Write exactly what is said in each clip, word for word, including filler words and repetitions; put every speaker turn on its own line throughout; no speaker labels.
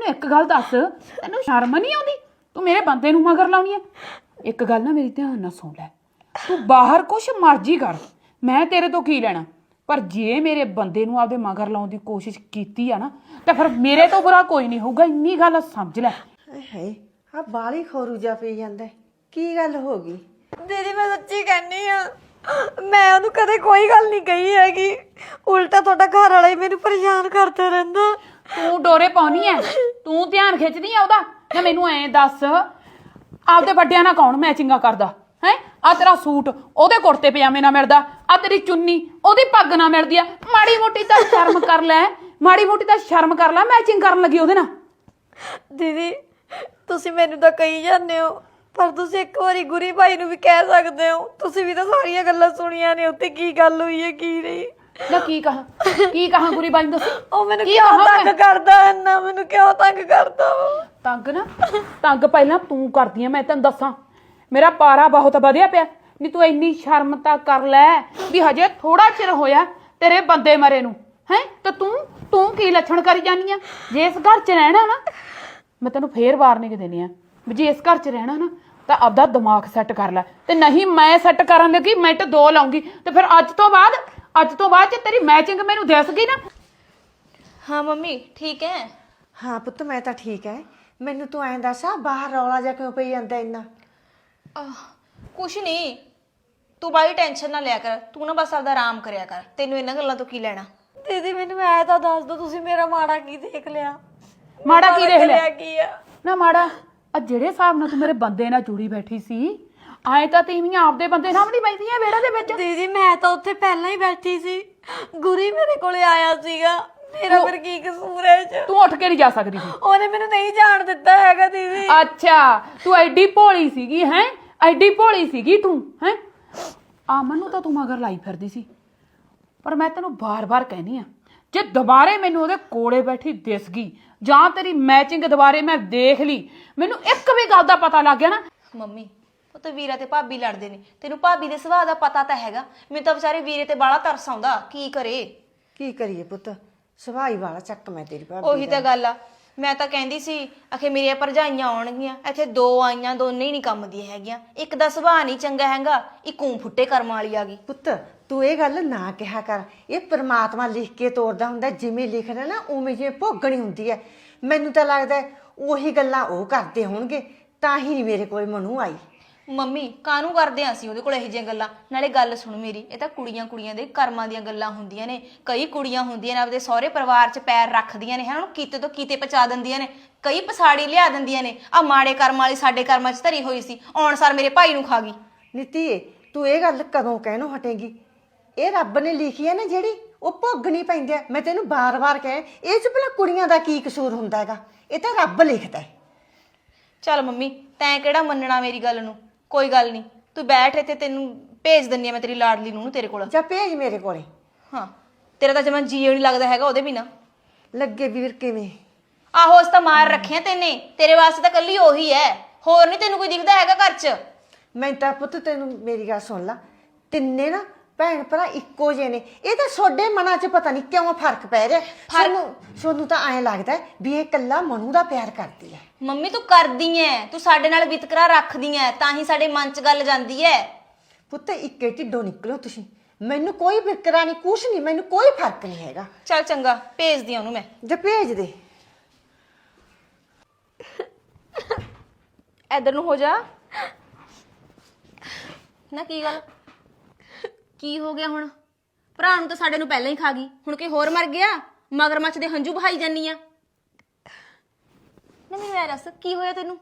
ਮੈਨੂੰ ਇੱਕ ਗੱਲ ਦੱਸ, ਤੈਨੂੰ ਸ਼ਰਮ ਨਹੀਂ ਆਉਂਦੀ? ਤੂੰ ਮੇਰੇ ਬੰਦੇ ਨੂੰ ਮਗਰ ਲਾਉਣੀ ਹੈ। ਇੱਕ ਗੱਲ ਨਾ ਮੇਰੀ ਧਿਆਨ ਨਾਲ ਸੁਣ ਲੈ, ਤੂੰ ਬਾਹਰ ਕੁਛ ਮਰਜ਼ੀ ਕਰ, ਮੈਂ ਤੇਰੇ ਤੋਂ ਕੀ ਲੈਣਾ, ਪਰ ਜੇ ਮੇਰੇ ਬੰਦੇ ਨੂੰ ਆਪਦੇ ਮਗਰ ਲਾਉਣ ਦੀ ਕੋਸ਼ਿਸ਼ ਕੀਤੀ ਆ ਨਾ ਤਾਂ ਫਿਰ ਮੇਰੇ ਤੋਂ ਬੁਰਾ ਕੋਈ ਨਹੀਂ ਹੋਊਗਾ, ਇੰਨੀ ਗੱਲ ਸਮਝ ਲੈ।
ਹਾਏ ਆ ਬਾਲੀ ਖੋਰੂ ਜਾ ਪਈ ਜਾਂਦਾ, ਕੀ ਗੱਲ ਹੋ ਗਈ?
ਦੀਦੀ ਮੈਂ ਸੱਚੀ ਕਹਿੰਨੀ ਆ, ਮੈਂ ਉਹਨੂੰ ਕਦੇ ਕੋਈ ਗੱਲ ਨਹੀਂ ਕਹੀ ਹੈਗੀ, ਉਲਟਾ ਤੁਹਾਡਾ ਘਰ ਵਾਲਾ ਹੀ ਮੈਨੂੰ ਪਰੇਸ਼ਾਨ ਕਰਦਾ ਰਹਿੰਦਾ।
ਤੂੰ ਡੋਰੇ ਪਾਉਣੀ ਐ, ਤੂੰ ਧਿਆਨ ਖਿੱਚਦੀ ਆ ਉਹਦਾ। ਨਾ ਮੈਨੂੰ ਐਂ ਦੱਸ, ਆਪਦੇ ਵੱਡਿਆਂ ਨਾਲ ਕੌਣ ਮੈਚਿੰਗਾ ਕਰਦਾ ਹੈ? ਆ ਤੇਰਾ ਸੂਟ ਉਹਦੇ ਕੁੜਤੇ ਪਜਾਮੇ ਨਾਲ ਮਿਲਦਾ, ਆ ਤੇਰੀ ਚੁੰਨੀ ਉਹਦੀ ਪੱਗ ਨਾਲ ਮਿਲਦੀ ਆ। ਮਾੜੀ ਮੋਟੀ ਤਾਂ ਸ਼ਰਮ ਕਰ ਲੈ, ਮਾੜੀ ਮੋਟੀ ਤਾਂ ਸ਼ਰਮ ਕਰ ਲੈ, ਮੈਚਿੰਗ ਕਰਨ ਲੱਗੀ ਉਹਦੇ ਨਾਲ।
ਦੀਦੀ ਤੁਸੀਂ ਮੈਨੂੰ ਤਾਂ ਕਹੀ ਜਾਂਦੇ ਹੋ, ਪਰ ਤੁਸੀਂ ਇੱਕ ਵਾਰੀ ਗੁਰੀ ਭਾਈ ਨੂੰ ਵੀ ਕਹਿ ਸਕਦੇ ਹੋ, ਤੁਸੀਂ ਵੀ ਤਾਂ ਸਾਰੀਆਂ ਗੱਲਾਂ ਸੁਣੀਆਂ ਨੇ, ਉੱਤੇ ਕੀ ਗੱਲ ਹੋਈ ਹੈ ਕੀ ਨਹੀਂ।
ਨਾ ਕੀ ਕਹਾਂ, ਕੀ ਕਹਾਂ ਗੁਰੀ ਬਾਈ ਨੂੰ ਦੱਸ।
ਉਹ ਮੈਨੂੰ ਕਿਉਂ ਤੰਗ ਕਰਦਾ ਇੰਨਾ, ਮੈਨੂੰ ਕਿਉਂ ਤੰਗ ਕਰਦਾ ਉਹ?
ਤੰਗ ਨਾ ਤੰਗ ਪਹਿਲਾਂ ਤੂੰ ਕਰਦੀ ਆ, ਮੈਂ ਤੈਨੂੰ ਦੱਸਾਂ, ਮੇਰਾ ਪਾਰਾ ਬਹੁਤ ਵਧਿਆ ਪਿਆ। ਨਹੀਂ ਤੂੰ ਇੰਨੀ ਸ਼ਰਮ ਤਾਂ ਕਰ ਲੈ ਵੀ ਹਜੇ ਥੋੜਾ ਚਿਰ ਹੋਇਆ ਤੇਰੇ ਬੰਦੇ ਮਰੇ ਨੂੰ, ਹੈ ਤੇ ਤੂੰ ਤੂੰ ਕੀ ਲੱਛਣ ਕਰੀ ਜਾਨੀ ਆ? ਜੇ ਇਸ ਘਰ 'ਚ ਰਹਿਣਾ ਨਾ, ਮੈਂ ਤੈਨੂੰ ਫੇਰ ਵਾਰਨਿੰਗ ਦੇਣੀ ਆ ਵੀ ਜੇ ਇਸ ਘਰ 'ਚ ਰਹਿਣਾ ਨਾ ਤਾਂ ਆਪਦਾ ਦਿਮਾਗ ਸੈੱਟ ਕਰ ਲੈ, ਤੇ ਨਹੀਂ ਮੈਂ ਸੈੱਟ ਕਰਨ ਲੱਗੀ ਮਿੰਟ ਦੋ ਲਾਉਂਗੀ, ਤੇ ਫਿਰ ਅੱਜ ਤੋਂ ਬਾਅਦ ਅੱਜ ਤੋਂ ਬਾਅਦ ਜੇ ਤੇਰੀ ਮੈਚਿੰਗ ਮੈਨੂੰ ਦਿਸ ਗਈ ਨਾ।
ਹਾਂ ਮੰਮੀ ਠੀਕ ਹੈ।
ਹਾਂ ਪੁੱਤ ਮੈਂ ਤਾਂ ਠੀਕ ਹੈ, ਮੈਨੂੰ ਤੂੰ ਐਂ ਦੱਸ ਆ ਬਾਹਰ ਰੌਲਾ ਜਾ ਕਿਉਂ ਪਈ ਜਾਂਦਾ ਇੰਨਾ?
ਕੁਛ ਨਹੀਂ, ਤੂੰ ਬਾਈ ਟੈਨਸ਼ਨ ਨਾ ਲਿਆ ਕਰ, ਤੂੰ ਨਾ ਬਸ ਆਪਦਾ ਆਰਾਮ ਕਰਿਆ ਕਰ, ਤੈਨੂੰ ਇਹਨਾਂ ਗੱਲਾਂ ਤੋਂ ਕੀ ਲੈਣਾ।
ਦੀਦੀ ਮੈਨੂੰ ਐ ਤਾਂ ਦੱਸ ਦੋ, ਤੁਸੀਂ ਮੇਰਾ ਮਾੜਾ ਕੀ ਦੇਖ ਲਿਆ?
ਮਾੜਾ ਕੀ ਦੇਖ ਲਿਆ?
ਕੀ ਆ
ਨਾ ਮਾੜਾ ਆ ਜਿਹੜੇ ਹਿਸਾਬ ਨਾਲ ਤੂੰ ਮੇਰੇ ਬੰਦੇ ਨਾਲ ਜੁੜੀ ਬੈਠੀ ਸੀ, ਆਏ ਤਾਂ ਤੀਵੀਆਂ ਆਪਦੇ ਬੰਦੇ ਨਾਲ ਨਹੀਂ ਬੈਠਦੀਆਂ ਵਿਹੜੇ ਦੇ ਵਿੱਚ।
ਦੀਦੀ ਮੈਂ ਤਾਂ ਉੱਥੇ ਪਹਿਲਾਂ ਹੀ ਬੈਠੀ ਸੀ, ਗੁਰੀ ਮੇਰੇ ਕੋਲੇ ਆਇਆ ਸੀਗਾ, ਮੇਰਾ ਫਿਰ ਕੀ ਕਸੂਰ ਹੈ ਚ?
ਤੂੰ ਉੱਠ ਕੇ ਨਹੀਂ ਜਾ ਸਕਦੀ ਸੀ।
ਉਹਨੇ ਮੈਨੂੰ ਨਹੀਂ ਜਾਣ ਦਿੱਤਾ ਹੈਗਾ ਦੀਦੀ।
ਅੱਛਾ ਤੂੰ ਐਡੀ ਭੋਲੀ ਸੀਗੀ, ਹੈ ਐਡੀ ਭੋਲੀ ਸੀਗੀ ਤੂੰ, ਹੈ ਆਮਨ ਨੂੰ ਤਾਂ ਤੂੰ ਮਗਰ ਲਾਈ ਫਿਰਦੀ ਸੀ, ਪਰ ਮੈਂ ਤੈਨੂੰ ਬਾਰ-ਬਾਰ ਕਹਿਨੀ ਆ, ਜੇ ਦੁਬਾਰੇ ਮੈਨੂੰ ਉਹਦੇ ਕੋਲੇ ਬੈਠੀ ਦਿਸ ਗਈ ਜਾਂ ਤੇਰੀ ਮੈਚਿੰਗ ਦੁਬਾਰੇ ਮੈਂ ਦੇਖ ਲਈ, ਮੈਨੂੰ ਇੱਕ ਵੀ ਗੱਲ ਦਾ ਪਤਾ ਲੱਗ ਗਿਆ ਨਾ।
ਮੰਮੀ ਉਹ ਤਾਂ ਵੀਰਾ ਤੇ ਭਾਬੀ ਲੜਦੇ ਨੇ, ਤੈਨੂੰ ਭਾਬੀ ਦੇ ਸੁਭਾਅ ਦਾ ਪਤਾ ਤਾਂ ਹੈਗਾ, ਮੈਨੂੰ ਤਾਂ ਵਿਚਾਰੇ ਵੀਰੇ ਤੇ ਬਾਲਾ ਤਰਸ ਆਉਂਦਾ, ਕੀ ਕਰੇ?
ਕੀ ਕਰੀਏ ਪੁੱਤ, ਸਵਾਈ ਵਾਲਾ ਚੱਕ ਮੈਂ ਤੇਰੀ ਭਾਬੀ
ਉਹੀ ਤਾਂ ਗੱਲ ਆ, ਮੈਂ ਤਾਂ ਕਹਿੰਦੀ ਸੀ ਆਖੇ ਮੇਰੀਆਂ ਭਰਜਾਈਆਂ ਆਉਣਗੀਆਂ, ਇੱਥੇ ਦੋ ਆਈਆਂ, ਦੋਨੇ ਹੀ ਨਹੀਂ ਕੰਮ ਦੀਆਂ ਹੈਗੀਆਂ, ਇੱਕ ਦਾ ਸੁਭਾਅ ਨਹੀਂ ਚੰਗਾ ਹੈਗਾ, ਇੱਕ ਊਂ ਫੁੱਟੇ ਕਰਮਾਂ ਵਾਲੀ ਆ ਗਈ।
ਪੁੱਤ ਤੂੰ ਇਹ ਗੱਲ ਨਾ ਕਿਹਾ ਕਰ, ਇਹ ਪ੍ਰਮਾਤਮਾ ਲਿਖ ਕੇ ਤੋਰਦਾ ਹੁੰਦਾ, ਜਿਵੇਂ ਲਿਖਣਾ ਨਾ ਉਵੇਂ ਜਿਵੇਂ ਭੋਗਣੀ ਹੁੰਦੀ ਹੈ। ਮੈਨੂੰ ਤਾਂ ਲੱਗਦਾ ਉਹੀ ਗੱਲਾਂ ਉਹ ਕਰਦੇ ਹੋਣਗੇ, ਤਾਂ ਹੀ ਨਹੀਂ ਮੇਰੇ ਕੋਲ ਮਨੂ ਆਈ।
ਮੰਮੀ ਕਾਹਨੂੰ ਕਰਦੇ ਆਂ ਅਸੀਂ ਉਹਦੇ ਕੋਲ ਇਹੋ ਜਿਹੀਆਂ ਗੱਲਾਂ? ਨਾਲੇ ਗੱਲ ਸੁਣ ਮੇਰੀ, ਇਹ ਤਾਂ ਕੁੜੀਆਂ ਕੁੜੀਆਂ ਦੇ ਕਰਮਾਂ ਦੀਆਂ ਗੱਲਾਂ ਹੁੰਦੀਆਂ ਨੇ। ਕਈ ਕੁੜੀਆਂ ਹੁੰਦੀਆਂ ਨੇ ਆਪਦੇ ਸਹੁਰੇ ਪਰਿਵਾਰ 'ਚ ਪੈਰ ਰੱਖਦੀਆਂ ਨੇ, ਹੈ ਉਹਨੂੰ ਕਿਤੇ ਤੋਂ ਕਿਤੇ ਪਹੁੰਚਾ ਦਿੰਦੀਆਂ ਨੇ, ਕਈ ਪਸਾੜੀ ਲਿਆ ਦਿੰਦੀਆਂ ਨੇ। ਆ ਮਾੜੇ ਕਰਮ ਵਾਲੀ ਸਾਡੇ ਕਰਮਾਂ 'ਚ ਧਰੀ ਹੋਈ ਸੀ, ਆਉਣ ਸਾਰ ਮੇਰੇ ਭਾਈ ਨੂੰ ਖਾ ਗਈ।
ਨੀਤੀ ਤੂੰ ਇਹ ਗੱਲ ਕਦੋਂ ਕਹਿਣੋਂ ਹਟੇਗੀ? ਇਹ ਰੱਬ ਨੇ ਲਿਖੀ ਹੈ ਨਾ ਜਿਹੜੀ, ਉਹ ਭੋਗਣੀ ਪੈਂਦੀ ਹੈ। ਮੈਂ ਤੈਨੂੰ ਬਾਰ-ਬਾਰ ਕਹੇ, ਇਹ 'ਚ ਭਲਾ ਕੁੜੀਆਂ ਦਾ ਕੀ ਕਸੂਰ ਹੁੰਦਾ ਹੈਗਾ? ਇਹ ਤਾਂ ਰੱਬ ਲਿਖਦਾ ਹੈ।
ਚੱਲ ਮੰਮੀ ਤੈਂ ਕਿਹੜਾ ਮੰਨਣਾ ਮੇਰੀ ਗੱਲ ਨੂੰ, ਕੋਈ ਗੱਲ ਨਹੀਂ, ਤੂੰ ਬੈਠ ਇੱਥੇ, ਤੈਨੂੰ ਭੇਜ ਦਿੰਦੀ ਆ ਮੈਂ ਤੇਰੀ ਲਾਡਲੀ ਨੂੰ ਤੇਰੇ ਕੋਲ।
ਜਾਂ ਭੇਜ ਮੇਰੇ ਕੋਲੇ।
ਹਾਂ ਤੇਰਾ ਤਾਂ ਜਮਾਂ ਜੀਅ ਨਹੀਂ ਲੱਗਦਾ ਹੈਗਾ ਉਹਦੇ ਬਿਨਾਂ।
ਲੱਗੇ ਵੀਰ ਕਿਵੇਂ?
ਆਹੋ ਉਸ ਤਾਂ ਮਾਰ ਰੱਖਿਆ ਤੈਨੇ, ਤੇਰੇ ਵਾਸਤੇ ਤਾਂ ਕੱਲੀ ਉਹੀ ਹੈ, ਹੋਰ ਨਹੀਂ ਤੈਨੂੰ ਕੋਈ ਦਿਖਦਾ ਹੈਗਾ ਘਰ 'ਚ।
ਮੈਂ ਤਾਂ ਪੁੱਤ ਤੈਨੂੰ ਮੇਰੀ ਗੱਲ ਸੁਣ ਲਾ, ਤਿੰਨੇ ਨਾ ਭੈਣ ਭਰਾ ਇੱਕੋ ਜਿਹੇ ਨੇ, ਇਹ ਤਾਂ ਤੁਹਾਡੇ ਮਨਾਂ 'ਚ ਪਤਾ ਨਹੀਂ ਕਿਉਂ ਫਰਕ ਪੈ ਰਿਹਾ। ਸਾਨੂੰ ਸਾਨੂੰ ਤਾਂ ਐਂ ਲੱਗਦਾ ਵੀ ਇਹ ਇਕੱਲਾ ਮਨੂ ਦਾ ਪਿਆਰ ਕਰਦੀ ਹੈ।
ਮੰਮੀ ਤੂੰ ਕਰਦੀ ਐ, ਤੂੰ ਸਾਡੇ ਨਾਲ ਵਿਤਕਰਾ ਰੱਖਦੀ ਐ, ਤਾਂ ਹੀ ਸਾਡੇ ਮਨ 'ਚ ਗੱਲ ਜਾਂਦੀ ਐ।
ਪੁੱਤ ਇੱਕੇ ਢਿੱਡੋਂ ਨਿਕਲੋ ਤੁਸੀਂ, ਮੈਨੂੰ ਕੋਈ ਫਿਕਰਾ ਨਹੀਂ, ਕੁਛ ਨਹੀਂ, ਮੈਨੂੰ ਕੋਈ ਫਰਕ ਨਹੀਂ ਹੈਗਾ।
ਚੱਲ ਚੰਗਾ ਭੇਜਦੀ ਆ ਉਹਨੂੰ ਮੈਂ।
ਜੇ ਭੇਜ ਦੇ।
ਇੱਧਰ ਨੂੰ ਹੋ ਜਾ ਨਾ। ਕੀ ਗੱਲ, ਕੀ ਹੋ ਗਿਆ ਹੁਣ? ਭਰਾ ਨੂੰ ਤਾਂ ਸਾਡੇ ਨੂੰ ਪਹਿਲਾਂ ਹੀ ਖਾ ਗਈ, ਹੁਣ ਕੋਈ ਹੋਰ ਮਰ ਗਿਆ? ਮਗਰਮੱਛ ਦੇ ਹੰਝੂ ਬਹਾਈ ਜਾਨੀ ਆ ਨਾ। ਮੈਨੂੰ ਐ ਦੱਸ ਕੀ ਹੋਇਆ ਤੈਨੂੰ?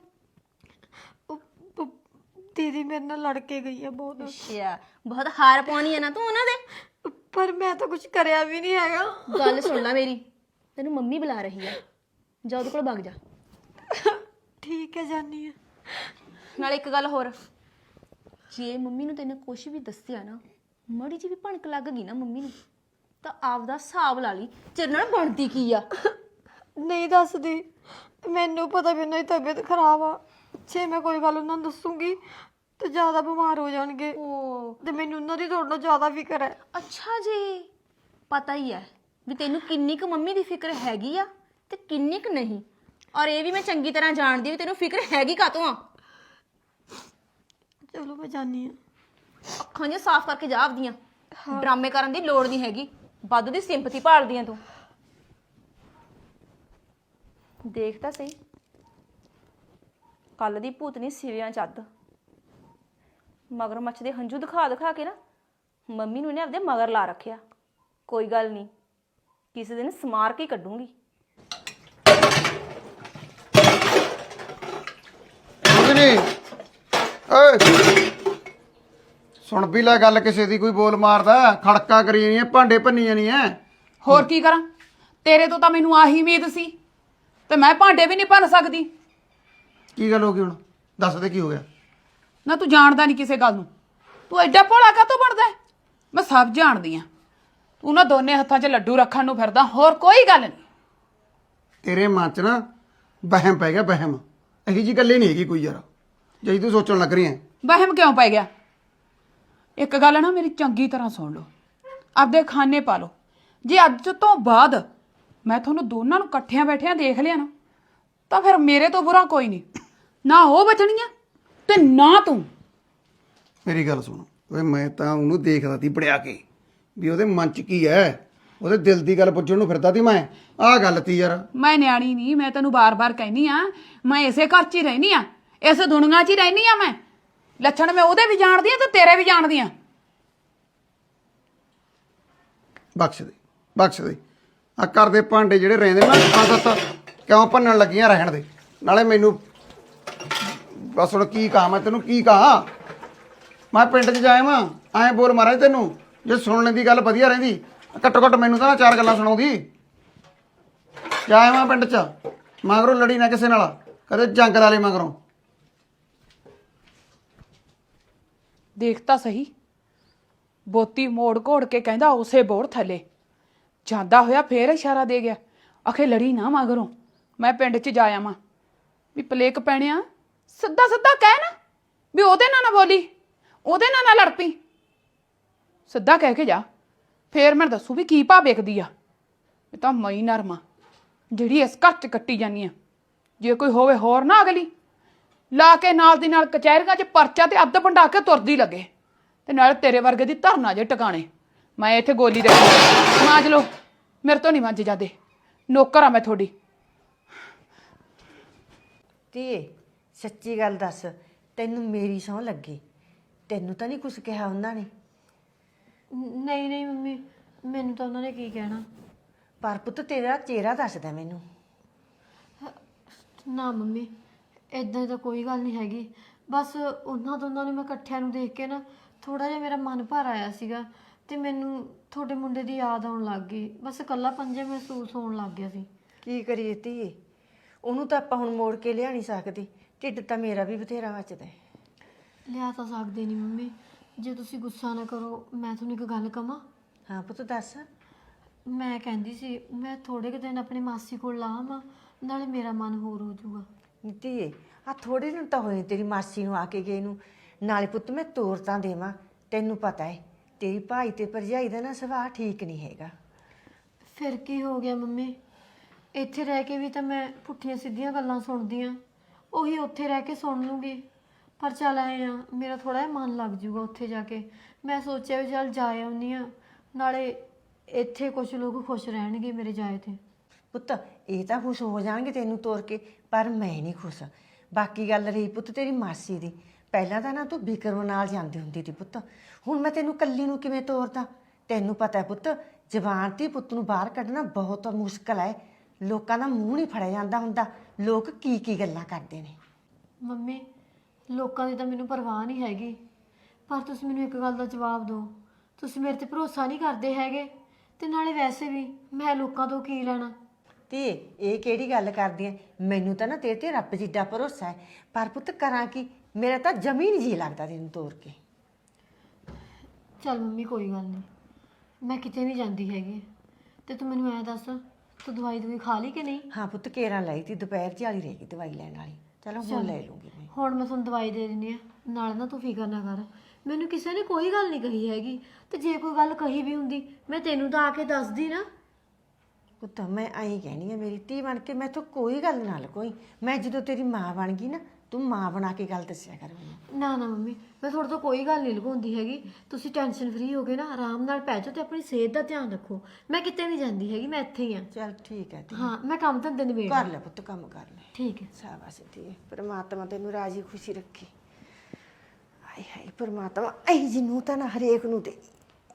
ਦੀਦੀ ਮੇਰੇ ਨਾਲ ਲੜ ਕੇ ਗਈ ਆ ਬਹੁਤ।
ਅੱਛਾ ਬਹੁਤ ਹਾਰ ਪਾਉਣੀ ਆ ਨਾ ਤੂੰ ਉਹਨਾਂ ਦੇ।
ਪਰ ਮੈਂ ਤਾਂ ਕੁਝ ਕਰਿਆ ਵੀ ਨਹੀਂ ਹੈਗਾ।
ਗੱਲ ਸੁਣ ਲੈ ਮੇਰੀ, ਤੈਨੂੰ ਮੰਮੀ ਬੁਲਾ ਰਹੀ ਆ, ਜਾ ਉਹਦੇ ਕੋਲ ਵਗ ਜਾ।
ਠੀਕ ਹੈ ਜਾਨੀ ਆ।
ਨਾਲੇ ਇੱਕ ਗੱਲ ਹੋਰ, ਜੇ ਮੰਮੀ ਨੂੰ ਤੈਨੂੰ ਕੁਛ ਵੀ ਦੱਸਿਆ ਨਾ, ਮਾੜੀ ਜਿਹੀ ਵੀ ਭਣਕ ਲੱਗ ਗਈ ਨਾ ਮੰਮੀ ਨੂੰ, ਤਾਂ ਆਪਦਾ ਹਿਸਾਬ ਲਾ ਲਈ ਤੇਰੇ ਨਾਲ ਬਣਦੀ ਕੀ ਆ।
ਨਹੀਂ ਦੱਸਦੀ, ਮੈਨੂੰ ਪਤਾ ਵੀ ਉਹਨਾਂ ਦੀ ਤਬੀਅਤ ਖਰਾਬ ਆ, ਜੇ ਮੈਂ ਕੋਈ ਗੱਲ ਉਹਨਾਂ ਨੂੰ ਦੱਸੂਗੀ ਤੇ ਜ਼ਿਆਦਾ ਬਿਮਾਰ ਹੋ ਜਾਣਗੇ।
ਓ
ਤੇ ਮੈਨੂੰ ਉਹਨਾਂ ਦੀ ਤੁਹਾਡੇ ਨਾਲੋਂ ਜ਼ਿਆਦਾ ਫਿਕਰ ਹੈ।
ਅੱਛਾ ਜੀ, ਪਤਾ ਹੀ ਹੈ ਵੀ ਤੈਨੂੰ ਕਿੰਨੀ ਕੁ ਮੰਮੀ ਦੀ ਫਿਕਰ ਹੈਗੀ ਆ ਤੇ ਕਿੰਨੀ ਕੁ ਨਹੀਂ। ਔਰ ਇਹ ਵੀ ਮੈਂ ਚੰਗੀ ਤਰ੍ਹਾਂ ਜਾਣਦੀ ਵੀ ਤੈਨੂੰ ਫਿਕਰ ਹੈਗੀ ਕਾਤੋਂ ਆ।
ਚਲੋ ਮੈਂ ਜਾਣੀ ਆ।
ਅੱਖਾਂ ਜਿਹੀਆਂ ਸਾਫ਼ ਕਰਕੇ ਜਾ ਆਪਦੀਆਂ। ਡਰਾਮੇ ਕਰਨ ਦੀ ਲੋੜ ਨਹੀਂ ਹੈਗੀ, ਵਾਧੂ ਦੀ ਸਿੰਪਥੀ ਭਾਲਦੀ ਆ ਤੂੰ। ਦੇਖ ਤਾਂ ਸਹੀ, ਕੱਲ ਦੀ ਭੂਤਨੀ ਸਿਵਿਆਂ ਚੱਦ ਮਗਰਮੱਛ ਦੇ ਹੰਝੂ ਦਿਖਾ ਦਿਖਾ ਕੇ ਨਾ ਮੰਮੀ ਨੂੰ ਇਹਨੇ ਆਪਦੇ ਮਗਰ ਲਾ ਰੱਖਿਆ। ਕੋਈ ਗੱਲ ਨਹੀਂ, ਕਿਸੇ ਦਿਨ ਸਮਾਰ ਕੇ ਹੀ ਕੱਢੂੰਗੀ।
ਨਹੀਂ ਓਏ ਸੁਣ ਵੀ ਲੈ ਗੱਲ, ਕਿਸੇ ਦੀ ਕੋਈ ਬੋਲ ਮਾਰਦਾ, ਖੜਕਾ ਕਰੀ ਜਾਣੀ ਐ, ਭਾਂਡੇ ਭੰਨੀ ਜਾਣੀ ਐ।
ਹੋਰ ਕੀ ਕਰਾਂ, ਤੇਰੇ ਤੋਂ ਤਾਂ ਮੈਨੂੰ ਆਹੀ ਉਮੀਦ ਸੀ, ਤੇ ਮੈਂ ਭਾਂਡੇ ਵੀ ਨਹੀਂ ਭੰਨ ਸਕਦੀ।
ਕੀ ਗੱਲ ਹੋ ਗਈ ਹੁਣ, ਦੱਸ ਦੇ ਕੀ ਹੋ ਗਿਆ।
ਨਾ ਤੂੰ ਜਾਣਦਾ ਨਹੀਂ ਕਿਸੇ ਗੱਲ ਨੂੰ, ਤੂੰ ਐਡਾ ਭੋਲਾ ਕਾਹਤੋਂ ਬਣਦਾ ਹੈ? ਮੈਂ ਸਭ ਜਾਣਦੀ ਆ, ਤੂੰ ਨਾ ਦੋਨੇ ਹੱਥਾਂ 'ਚ ਲੱਡੂ ਰੱਖਣ ਨੂੰ ਫਿਰਦਾ, ਹੋਰ ਕੋਈ ਗੱਲ ਨਹੀਂ।
ਤੇਰੇ ਮਨ 'ਚ ਨਾ ਵਹਿਮ ਪੈ ਗਿਆ, ਵਹਿਮ। ਇਹੀ ਜੀ ਗੱਲ ਹੀ ਨਹੀਂ ਹੈਗੀ ਕੋਈ ਯਾਰ, ਜਿਹੀ ਤੂੰ ਸੋਚਣ ਲੱਗ ਰਹੀ ਐ।
ਵਹਿਮ ਕਿਉਂ ਪੈ ਗਿਆ? ਇੱਕ ਗੱਲ ਨਾ ਮੇਰੀ ਚੰਗੀ ਤਰ੍ਹਾਂ ਸੁਣ ਲਓ, ਆਪਦੇ ਖਾਨੇ ਪਾ ਲਓ। ਜੇ ਅੱਜ ਤੋਂ ਬਾਅਦ ਮੈਂ ਤੁਹਾਨੂੰ ਦੋਨਾਂ ਨੂੰ ਇਕੱਠਿਆਂ ਬੈਠਿਆਂ ਦੇਖ ਲਿਆ ਨਾ, ਤਾਂ ਫਿਰ ਮੇਰੇ ਤੋਂ ਬੁਰਾ ਕੋਈ ਨਹੀਂ, ਨਾ ਉਹ ਬਚਣੀਆਂ ਤੇ ਨਾ ਤੂੰ।
ਮੇਰੀ ਗੱਲ ਸੁਣ ਓਏ, ਮੈਂ ਤਾਂ ਉਹਨੂੰ ਦੇਖਦਾ ਤੀ ਬੜਿਆ ਕੇ ਵੀ ਉਹਦੇ ਮਨ 'ਚ ਕੀ ਐ, ਉਹਦੇ ਦਿਲ ਦੀ ਗੱਲ ਪੁੱਛਣ ਨੂੰ ਫਿਰਦਾ ਤੀ ਮੈਂ। ਆਹ ਗੱਲ ਤੀ ਯਾਰ।
ਮੈਂ ਨਿਆਣੀ ਨਹੀਂ, ਮੈਂ ਤੈਨੂੰ ਬਾਰ-ਬਾਰ ਕਹਿਨੀ ਆ, ਮੈਂ ਇਸੇ ਘਰ 'ਚ ਹੀ ਰਹਿਨੀ ਆ, ਇਸ ਦੁਨੀਆ 'ਚ ਹੀ ਰਹਿਨੀ ਆ। ਮੈਂ ਲੱਛਣ ਮੈਂ ਉਹਦੇ ਵੀ ਜਾਣਦੀ ਆ ਤੇ ਤੇਰੇ ਵੀ ਜਾਣਦੀ ਆ।
ਬਖਸ਼ ਦੇ, ਬਖਸ਼ ਦੇ। ਆ ਘਰ ਦੇ ਭਾਂਡੇ ਜਿਹੜੇ ਰਹਿੰਦੇ ਨਾ ਪੰਜ ਸੱਤ, ਕਿਉਂ ਭੰਨਣ ਲੱਗੀਆਂ, ਰਹਿਣ ਦੇ। ਨਾਲੇ ਮੈਨੂੰ ਬਸ ਹੁਣ ਕੀ ਕਹਾਂ ਮੈਂ ਤੈਨੂੰ, ਕੀ ਕਹਾਂ। ਮੈਂ ਪਿੰਡ 'ਚ ਜਾਇਆ ਵਾਂ, ਐਂ ਬੋਲ ਮਾਰਾਂ ਤੈਨੂੰ, ਜੇ ਸੁਣਨ ਦੀ ਗੱਲ ਵਧੀਆ ਰਹਿੰਦੀ, ਘੱਟੋ ਘੱਟ ਮੈਨੂੰ ਤਾਂ ਨਾ ਚਾਰ ਗੱਲਾਂ ਸੁਣਾਉਂਦੀ। ਜਾਇਆ ਵਾਂ ਪਿੰਡ 'ਚ, ਮਗਰੋਂ ਲੜੀ ਨਾ ਕਿਸੇ ਨਾਲ, ਕਦੇ ਜੰਗ ਲਾ ਲਈ ਮਗਰੋਂ।
ਦੇਖ ਤਾਂ ਸਹੀ, ਬੋਤੀ ਮੋੜ ਘੋੜ ਕੇ ਕਹਿੰਦਾ ਉਸੇ ਬੋੜ ਥੱਲੇ ਜਾਂਦਾ ਹੋਇਆ, ਫੇਰ ਇਸ਼ਾਰਾ ਦੇ ਗਿਆ, ਆਖੇ ਲੜੀ ਨਾ ਮਗਰੋਂ, ਮੈਂ ਪਿੰਡ 'ਚ ਜਾਇਆ ਵਾਂ। ਵੀ ਪਲੇਕ ਪੈਣਿਆ, ਸਿੱਧਾ ਸਿੱਧਾ ਕਹਿ ਨਾ ਵੀ ਉਹਦੇ ਨਾਲ ਨਾ ਬੋਲੀ, ਉਹਦੇ ਨਾਲ ਨਾ ਲੜ ਪਈ, ਸਿੱਧਾ ਕਹਿ ਕੇ ਜਾ। ਫੇਰ ਮੈਂ ਦੱਸੂ ਵੀ ਕੀ ਭਾਅ ਵੇਖਦੀ ਆ। ਇਹ ਤਾਂ ਮਈ ਨਰਮਾ ਜਿਹੜੀ ਇਸ ਘਰ 'ਚ ਕੱਟੀ ਜਾਨੀ ਆ। ਜੇ ਕੋਈ ਹੋਵੇ ਹੋਰ ਨਾ ਅਗਲੀ ਲਾ ਕੇ ਨਾਲ ਦੀ ਨਾਲ ਕਚਹਿਰੀਆਂ 'ਚ ਪਰਚਾ ਤੇ ਅੱਧ ਵੰਡਾ ਕੇ ਤੁਰਦੀ ਲੱਗੇ, ਤੇ ਨਾਲ ਤੇਰੇ ਵਰਗੇ ਦੀ ਧਰਨਾ ਜੇ ਟਿਕਾਣੇ। ਮੈਂ ਇੱਥੇ ਗੋਲੀ ਦੇ ਮਾਂਜ ਲਓ, ਮੇਰੇ ਤੋਂ ਨਹੀਂ ਮੰਜ ਜਾਂਦੇ, ਨੌਕਰ ਆ ਮੈਂ ਤੁਹਾਡੀ।
ਧੀਏ ਸੱਚੀ ਗੱਲ ਦੱਸ, ਤੈਨੂੰ ਮੇਰੀ ਸਹੁੰ ਲੱਗੀ, ਤੈਨੂੰ ਤਾਂ ਨਹੀਂ ਕੁਝ ਕਿਹਾ ਉਹਨਾਂ ਨੇ?
ਨਹੀਂ ਨਹੀਂ ਮੰਮੀ, ਮੈਨੂੰ ਤਾਂ ਉਹਨਾਂ ਨੇ ਕੀ ਕਹਿਣਾ।
ਪਰ ਪੁੱਤ ਤੇਰਾ ਚਿਹਰਾ ਦੱਸਦਾ ਮੈਨੂੰ।
ਨਾ ਮੰਮੀ, ਇਦਾਂ ਤਾਂ ਕੋਈ ਗੱਲ ਨਹੀਂ ਹੈਗੀ, ਬਸ ਉਹਨਾਂ ਦੋਨਾਂ ਨੂੰ ਮੈਂ ਇਕੱਠਿਆਂ ਨੂੰ ਦੇਖ ਕੇ ਨਾ ਥੋੜਾ ਜਿਹਾ ਮੇਰਾ ਮਨ ਭਰ ਆਇਆ ਸੀਗਾ, ਤੇ ਮੈਨੂੰ ਤੁਹਾਡੇ ਮੁੰਡੇ ਦੀ ਯਾਦ ਆਉਣ ਲੱਗ ਗਈ। ਬਸ ਇਕੱਲਾ ਪੰਜੇ ਮਹਿਸੂਸ ਹੋਣ ਲੱਗ ਗਿਆ ਸੀ।
ਕੀ ਕਰੀਏ ਧੀਏ, ਉਹਨੂੰ ਤਾਂ ਆਪਾਂ ਹੁਣ ਮੋੜ ਕੇ ਲਿਆ ਨਹੀਂ ਸਕਦੇ, ਢਿੱਡ ਤਾਂ ਮੇਰਾ ਵੀ ਬਥੇਰਾ ਮੱਚਦਾ।
ਲਿਆ ਤਾਂ ਸਕਦੇ ਨਹੀਂ ਮੰਮੀ, ਜੇ ਤੁਸੀਂ ਗੁੱਸਾ ਨਾ ਕਰੋ, ਮੈਂ ਤੁਹਾਨੂੰ ਇੱਕ ਗੱਲ ਕਵਾਂ।
ਹਾਂ ਪੁੱਤ ਦੱਸ।
ਮੈਂ ਕਹਿੰਦੀ ਸੀ ਮੈਂ ਥੋੜੇ ਕੁ ਦਿਨ ਆਪਣੀ ਮਾਸੀ ਕੋਲ ਲਾ ਆਵਾਂ, ਨਾਲੇ ਮੇਰਾ ਮਨ ਹੋਰ ਹੋ ਜਾਊਗਾ।
ਧੀਏ ਆ ਥੋੜੇ ਦਿਨ ਤਾਂ ਹੋਏ ਤੇਰੀ ਮਾਸੀ ਨੂੰ ਆ ਕੇ ਗਏ ਨੂੰ, ਨਾਲੇ ਪੁੱਤ ਮੈਂ ਤੋਰ ਤਾਂ ਦੇਵਾਂ। ਤੈਨੂੰ ਪਤਾ ਹੈ ਤੇਰੀ ਭਾਈ ਤੇ ਭਰਜਾਈ ਦਾ ਨਾ ਸੁਭਾਅ ਠੀਕ ਨਹੀਂ ਹੈਗਾ।
ਫਿਰ ਕੀ ਹੋ ਗਿਆ ਮੰਮੀ, ਇੱਥੇ ਰਹਿ ਕੇ ਵੀ ਤਾਂ ਮੈਂ ਪੁੱਠੀਆਂ ਸਿੱਧੀਆਂ ਗੱਲਾਂ ਸੁਣਦੀ ਆ, ਉਹੀ ਉੱਥੇ ਰਹਿ ਕੇ ਸੁਣ ਲੂੰਗੀ। ਪਰ ਚੱਲ ਆਏ ਆ, ਮੇਰਾ ਥੋੜਾ ਜਿਹਾ ਮਨ ਲੱਗ ਜਾਊਗਾ ਉੱਥੇ ਜਾ ਕੇ। ਮੈਂ ਸੋਚਿਆ ਵੀ ਚੱਲ ਜਾ ਆਉਂਦੀ ਆ, ਨਾਲੇ ਇੱਥੇ ਕੁਝ ਲੋਕ ਖੁਸ਼ ਰਹਿਣਗੇ ਮੇਰੇ ਜਾਏ ਤੇ।
ਪੁੱਤ ਇਹ ਤਾਂ ਖੁਸ਼ ਹੋ ਜਾਣਗੇ ਤੈਨੂੰ ਤੋਰ ਕੇ, ਪਰ ਮੈਂ ਨਹੀਂ ਖੁਸ਼। ਬਾਕੀ ਗੱਲ ਰਹੀ ਪੁੱਤ ਤੇਰੀ ਮਾਸੀ ਦੀ, ਪਹਿਲਾਂ ਤਾਂ ਨਾ ਤੂੰ ਵਿਕਰਮ ਨਾਲ ਜਾਂਦੀ ਹੁੰਦੀ ਸੀ ਪੁੱਤ, ਹੁਣ ਮੈਂ ਤੈਨੂੰ ਕੱਲੀ ਨੂੰ ਕਿਵੇਂ ਤੋਰਦਾ? ਤੈਨੂੰ ਪਤਾ ਹੈ ਪੁੱਤ, ਜ਼ਬਾਨ ਤੇ ਪੁੱਤ ਨੂੰ ਬਾਹਰ ਕੱਢਣਾ ਬਹੁਤ ਮੁਸ਼ਕਲ ਹੈ। ਲੋਕਾਂ ਦਾ ਮੂੰਹ ਨਹੀਂ ਫੜਿਆ ਜਾਂਦਾ ਹੁੰਦਾ, ਲੋਕ ਕੀ ਕੀ ਗੱਲਾਂ ਕਰਦੇ ਨੇ।
ਮੰਮੀ ਲੋਕਾਂ ਦੀ ਤਾਂ ਮੈਨੂੰ ਪਰਵਾਹ ਨਹੀਂ ਹੈਗੀ, ਪਰ ਤੁਸੀਂ ਮੈਨੂੰ ਇੱਕ ਗੱਲ ਦਾ ਜਵਾਬ ਦਿਓ, ਤੁਸੀਂ ਮੇਰੇ ਤੇ ਭਰੋਸਾ ਨਹੀਂ ਕਰਦੇ ਹੈਗੇ, ਤੇ ਨਾਲੇ ਵੈਸੇ ਵੀ ਮੈਂ ਲੋਕਾਂ ਤੋਂ ਕੀ ਲੈਣਾ।
ਤੇ ਇਹ ਕਿਹੜੀ ਗੱਲ ਕਰਦੀ ਐ? ਮੈਨੂੰ ਤਾਂ ਨਾ ਤੇਰੇ ਤੇ ਰੱਬ ਜਿੱਡਾ ਭਰੋਸਾ ਹੈ, ਪਰ ਪੁੱਤ ਕਰਾਂ ਕੀ, ਮੇਰਾ ਤਾਂ ਜਮੀ ਨਹੀਂ ਜੀ ਲੱਗਦਾ ਤੈਨੂੰ ਤੋਰ ਕੇ।
ਚੱਲ ਮੰਮੀ ਕੋਈ ਗੱਲ ਨਹੀਂ, ਮੈਂ ਕਿਤੇ ਨਹੀਂ ਜਾਂਦੀ ਹੈਗੀ, ਤੇ ਤੂੰ ਮੈਨੂੰ ਐ ਦੱਸ ਤੂੰ ਦਵਾਈ ਦਵਾਈ ਖਾ ਲਈ ਕਿ ਨਹੀਂ?
ਹਾਂ ਪੁੱਤ ਕੇਰਾਂ ਲਈ ਤੀ, ਦੁਪਹਿਰ ਚਾਲੀ ਰਹੇਗੀ ਦਵਾਈ ਲੈਣ ਵਾਲੀ। ਚਲੋ ਹੁਣ ਲੈ ਲੂੰਗੀ ਮੈਂ।
ਹੁਣ ਮੈਂ ਤੁਹਾਨੂੰ ਦਵਾਈ ਦੇ ਦਿੰਦੀ ਆ, ਨਾਲੇ ਨਾ ਤੂੰ ਫਿਕਰ ਨਾ ਕਰ, ਮੈਨੂੰ ਕਿਸੇ ਨੇ ਕੋਈ ਗੱਲ ਨਹੀਂ ਕਹੀ ਹੈਗੀ, ਤੇ ਜੇ ਕੋਈ ਗੱਲ ਕਹੀ ਵੀ ਹੁੰਦੀ ਮੈਂ ਤੈਨੂੰ ਤਾਂ ਆ ਕੇ ਦੱਸਦੀ ਨਾ।
ਪੁੱਤ ਮੈਂ ਆਈ ਕਹਿਣੀ ਆ, ਮੇਰੀ ਧੀ ਬਣ ਕੇ ਮੈਥੋਂ ਕੋਈ ਗੱਲ ਨਾ ਲਕੋਈ। ਮੈਂ ਜਦੋਂ ਤੇਰੀ ਮਾਂ ਬਣ ਗਈ ਨਾ, ਤੂੰ ਮਾਂ ਬਣਾ ਕੇ ਗੱਲ ਦੱਸਿਆ ਕਰ ਮੈਨੂੰ।
ਨਾ ਨਾ ਮੰਮੀ, ਮੈਂ ਤੁਹਾਡੇ ਤੋਂ ਕੋਈ ਗੱਲ ਨਹੀਂ ਲੁਕਾਉਂਦੀ ਹੈਗੀ। ਤੁਸੀਂ ਟੈਨਸ਼ਨ ਫਰੀ ਹੋ ਕੇ ਨਾ ਆਰਾਮ ਨਾਲ ਪੈ ਜਾਓ ਤੇ ਆਪਣੀ ਸਿਹਤ ਦਾ ਧਿਆਨ ਰੱਖੋ। ਮੈਂ ਕਿਤੇ ਨਹੀਂ ਜਾਂਦੀ ਹੈਗੀ, ਮੈਂ ਇੱਥੇ ਹੀ ਆ।
ਚੱਲ ਠੀਕ ਹੈ ਧੀ,
ਹਾਂ, ਮੈਂ ਕੰਮ ਧੰਦੇ ਨਿਬੇੜ
ਕਰ ਲੈ ਪੁੱਤ, ਕੰਮ ਕਰ ਲੈ।
ਠੀਕ ਹੈ।
ਸ਼ਾਬਾਸ਼ ਧੀ, ਪਰਮਾਤਮਾ ਤੈਨੂੰ ਰਾਜੀ ਖੁਸ਼ੀ ਰੱਖੇ। ਹਾਏ ਹਾਏ ਪਰਮਾਤਮਾ, ਐ ਜਿਹਨੂੰ ਤਾਂ ਨਾ ਹਰੇਕ ਨੂੰ ਦੇ।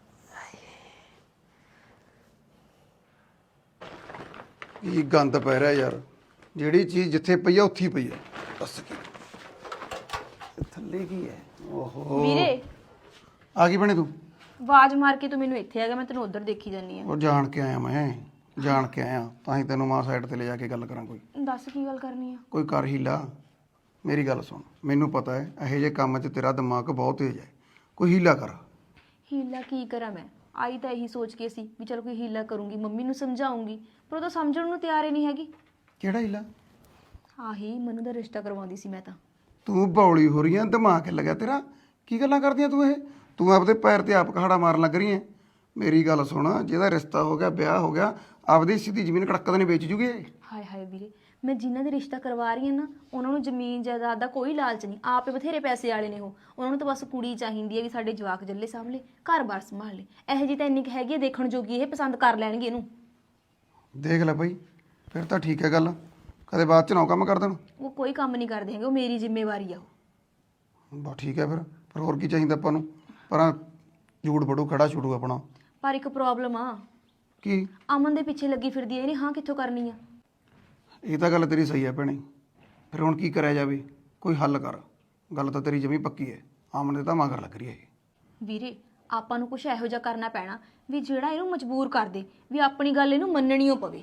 ਕੀ ਗੰਦ ਪੈ ਰਿਹਾ ਯਾਰ, ਜਿਹੜੀ ਚੀਜ਼ ਜਿੱਥੇ ਪਈ ਆ ਉੱਥੇ ਹੀ ਪਈ ਆ। ਦੱਸ ਕੀ ਇਹ ਥੱਲੇ ਕੀ ਹੈ? ਓਹੋ
ਵੀਰੇ
ਆ ਗਈ ਬਣੇ ਤੂੰ?
ਆਵਾਜ਼ ਮਾਰ ਕੇ ਤੂੰ ਮੈਨੂੰ ਇੱਥੇ ਆ ਗਿਆ, ਮੈਂ ਤੈਨੂੰ ਉਧਰ ਦੇਖੀ ਜਾਨੀ ਆ।
ਉਹ ਜਾਣ ਕੇ ਆਇਆ, ਮੈਂ ਜਾਣ ਕੇ ਆਇਆ, ਤਾਂ ਹੀ ਤੈਨੂੰ ਮਾਂ ਸਾਈਡ ਤੇ ਲੈ ਜਾ ਕੇ ਗੱਲ ਕਰਾਂ। ਕੋਈ
ਦੱਸ ਕੀ ਗੱਲ ਕਰਨੀ ਆ?
ਕੋਈ ਕਰ ਹੀ ਲਾ। ਮੇਰੀ ਗੱਲ ਸੁਣ, ਮੈਨੂੰ ਪਤਾ ਹੈ ਇਹੋ ਜਿਹੇ ਕੰਮ 'ਚ ਤੇਰਾ ਦਿਮਾਗ ਬਹੁਤ ਤੇਜ਼ ਹੈ, ਕੋਈ ਹੀਲਾ ਕਰ।
ਹੀਲਾ ਕੀ ਕਰਾਂ ਮੈਂ? ਆਈ ਤਾਂ ਇਹੀ ਸੋਚ ਕੇ ਸੀ ਵੀ ਚਲ ਕੋਈ ਹੀਲਾ ਕਰੂੰਗੀ, ਮੰਮੀ ਨੂੰ ਸਮਝਾਉਂਗੀ, ਪਰ ਉਹ ਤਾਂ ਸਮਝਣ ਨੂੰ ਤਿਆਰ ਹੀ ਨਹੀਂ ਹੈਗੀ।
ਕਿਹੜਾ ਹੀਲਾ?
ਆਹੀ ਮਨੂ ਦਾ ਰਿਸ਼ਤਾ ਕਰਵਾਉਂਦੀ ਸੀ ਮੈਂ ਤਾਂ।
ਤੂੰ ਬੌਲੀ ਹੋ ਰਹੀ ਹੈ, ਦਿਮਾਗ ਲੱਗਿਆ ਤੇਰਾ? ਕੀ ਗੱਲਾਂ ਕਰਦੀਆਂ ਤੂੰ ਇਹ? ਤੂੰ ਆਪਦੇ ਪੈਰ ਤੇ ਆਪ ਕਹਾੜਾ ਮਾਰਨ ਲੱਗ ਰਹੀ ਹੈ। ਮੇਰੀ ਗੱਲ ਸੁਣ, ਜਿਹਦਾ ਰਿਸ਼ਤਾ ਹੋ ਗਿਆ, ਵਿਆਹ ਹੋ ਗਿਆ, ਆਪਦੀ ਸਿੱਧੀ ਜ਼ਮੀਨ ਕੜਕ ਤਾਂ ਨਹੀਂ ਵੇਚ ਜੂਗੇ।
ਹਾਏ ਹਾਏ ਵੀਰੇ, ਮੈਂ ਜਿਨ੍ਹਾਂ ਦੇ ਰਿਸ਼ਤਾ ਕਰਵਾ ਰਹੀ ਹਾਂ ਨਾ, ਉਹਨਾਂ ਨੂੰ ਜ਼ਮੀਨ ਜਾਇਦਾਦ ਦਾ ਕੋਈ ਲਾਲਚ ਨਹੀਂ। ਆਪੇ ਬਥੇਰੇ ਪੈਸੇ ਵਾਲੇ ਨੇ ਉਹ, ਉਹਨਾਂ ਨੂੰ ਤਾਂ ਬਸ ਕੁੜੀ ਚਾਹੀਦੀ ਹੈ ਵੀ ਸਾਡੇ ਜਵਾਕ ਜੱਲੇ ਸਾਂਭਲੇ, ਘਰ-ਬਾਰ ਸੰਭਾਲ ਲੇ। ਇਹੋ ਜਿਹੀ ਤਾਂ ਇੰਨੀ ਕੁ ਹੈਗੀ ਹੈ ਦੇਖਣ ਜੋਗੀ, ਇਹ ਪਸੰਦ ਕਰ ਲੈਣਗੇ ਇਹਨੂੰ।
ਦੇਖ ਲੈ ਬਈ, ਫਿਰ ਤਾਂ ਠੀਕ ਹੈ ਗੱਲ, ਕਦੇ ਬਾਅਦ ਚ ਨਾ ਉਹ ਕੰਮ ਕਰ ਦੇਣ।
ਉਹ ਕੋਈ ਕੰਮ ਨਹੀਂ ਕਰਦੇ ਹੈਗੇ, ਉਹ ਮੇਰੀ ਜ਼ਿੰਮੇਵਾਰੀ ਆ ਉਹ।
ਬਸ ਠੀਕ ਹੈ ਫਿਰ ਫਿਰ ਹੋਰ ਕੀ ਚਾਹੀਦਾ ਆਪਾਂ ਨੂੰ? ਪਰ ਝੂੜ ਬੜੂ ਖੜਾ ਛੁੱਟੂ ਆਪਣਾ।
ਪਰ ਇੱਕ ਪ੍ਰੋਬਲਮ ਆ,
ਕੀ?
ਅਮਨ ਦੇ ਪਿੱਛੇ ਲੱਗੀ ਫਿਰਦੀ ਹੈ, ਇਹਨੇ ਹਾਂ ਕਿੱਥੋਂ ਕਰਨੀ ਆ?
ਇਹ ਤਾਂ ਗੱਲ ਤੇਰੀ ਸਹੀ ਹੈ ਭੈਣੇ, ਫਿਰ ਹੁਣ ਕੀ ਕਰਿਆ ਜਾਵੇ? ਕੋਈ ਹੱਲ ਕਰ। ਗੱਲ ਤਾਂ ਤੇਰੀ ਜਮੀ ਪੱਕੀ ਹੈ, ਆਮਨੇ ਤਾਂ ਮਗਰ ਲੱਗ ਰਹੀ ਹੈ ਇਹ।
ਵੀਰੇ ਆਪਾਂ ਨੂੰ ਕੁਝ ਇਹੋ ਜਿਹਾ ਕਰਨਾ ਪੈਣਾ ਵੀ ਜਿਹੜਾ ਇਹਨੂੰ ਮਜਬੂਰ ਕਰ ਦੇ ਵੀ ਆਪਣੀ ਗੱਲ ਇਹਨੂੰ ਮੰਨਣੀ ਓ ਪਵੇ।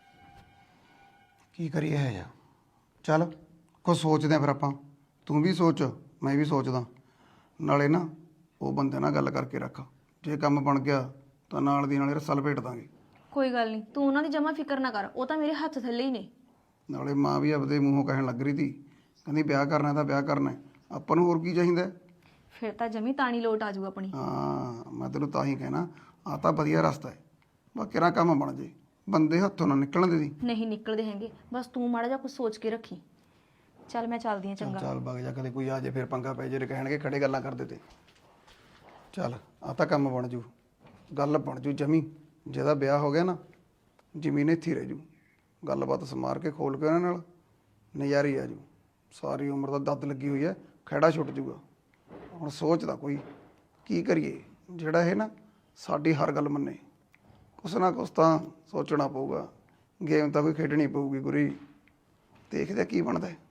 ਕੀ ਕਰੀਏ ਹੈ ਜਾ? ਚੱਲ ਕੁਛ ਸੋਚਦੇ ਆ ਫਿਰ ਆਪਾਂ। ਤੂੰ ਵੀ ਸੋਚ, ਮੈਂ ਵੀ ਸੋਚਦਾ। ਨਾਲੇ ਨਾ ਉਹ ਬੰਦੇ ਨਾਲ ਗੱਲ ਕਰਕੇ ਰੱਖ, ਜੇ ਕੰਮ ਬਣ ਗਿਆ ਤਾਂ ਨਾਲ ਦੀ ਨਾਲੇ ਰਸਾ ਲਪੇਟ ਦਾਂਗੇ।
ਕੋਈ ਗੱਲ ਨਹੀਂ, ਤੂੰ ਉਹਨਾਂ ਦੀ ਜਮਾ ਫਿਕਰ ਨਾ ਕਰ, ਉਹ ਤਾਂ ਮੇਰੇ ਹੱਥ ਥੱਲੇ ਹੀ ਨੇ।
ਨਾਲੇ ਮਾਂ ਵੀ ਆਪਦੇ ਮੂੰਹੋਂ ਕਹਿਣ ਲੱਗ ਰਹੀ ਸੀ, ਕਹਿੰਦੀ ਵਿਆਹ ਕਰਨਾ ਤਾਂ ਵਿਆਹ ਕਰਨਾ, ਆਪਾਂ ਨੂੰ ਹੋਰ ਕੀ ਚਾਹੀਦਾ?
ਫਿਰ ਤਾਂ ਜਮੀ ਤਾਣੀ ਲੋਟ ਆ ਜਾਊ ਆਪਣੀ।
ਹਾਂ, ਮੈਂ ਤੈਨੂੰ ਤਾਂ ਹੀ ਕਹਿਣਾ, ਆ ਤਾਂ ਵਧੀਆ ਰਸਤਾ ਹੈ, ਬਾਕੀ ਨਾ ਕੰਮ ਬਣ ਜੇ, ਬੰਦੇ ਹੱਥੋਂ ਨਾ ਨਿਕਲਣ ਦੇ ਦੀ।
ਨਹੀਂ ਨਿਕਲਦੇ ਹੈਗੇ, ਬਸ ਤੂੰ ਮਾੜਾ ਜਿਹਾ ਕੁਝ ਸੋਚ ਕੇ ਰੱਖੀ। ਚੱਲ ਮੈਂ ਚੱਲਦੀ ਹਾਂ, ਚੰਗਾ।
ਚੱਲ ਵਗ ਜਾ, ਕਦੇ ਕੋਈ ਆ ਜੇ ਫਿਰ ਪੰਗਾ ਪੈ ਜੇ, ਕਹਿਣਗੇ ਖੜੇ ਗੱਲਾਂ ਕਰਦੇ ਤੇ। ਚੱਲ ਆ ਤਾਂ ਕੰਮ ਬਣ ਜੂ, ਗੱਲ ਬਣ ਜੂ ਜਮੀ। ਜਿਹਦਾ ਵਿਆਹ ਹੋ ਗਿਆ ਨਾ, ਜ਼ਮੀਨ ਇੱਥੇ ਰਹਿ ਜੂ। ਗੱਲਬਾਤ ਸਮਾਰ ਕੇ ਖੋਲ ਕੇ ਉਹਨਾਂ ਨਾਲ ਨਜ਼ਾਰੀ ਆ ਜੂ। ਸਾਰੀ ਉਮਰ ਦਾ ਦੱਦ ਲੱਗੀ ਹੋਈ ਹੈ, ਖਹਿੜਾ ਛੁੱਟ ਜੂਗਾ। ਹੁਣ ਸੋਚਦਾ ਕੋਈ ਕੀ ਕਰੀਏ ਜਿਹੜਾ ਇਹ ਨਾ ਸਾਡੀ ਹਰ ਗੱਲ ਮੰਨੇ। ਕੁਛ ਨਾ ਕੁਛ ਤਾਂ ਸੋਚਣਾ ਪਊਗਾ, ਗੇਮ ਤਾਂ ਕੋਈ ਖੇਡਣੀ ਪਊਗੀ ਗੁਰੀ। ਦੇਖਦੇ ਕੀ ਬਣਦਾ।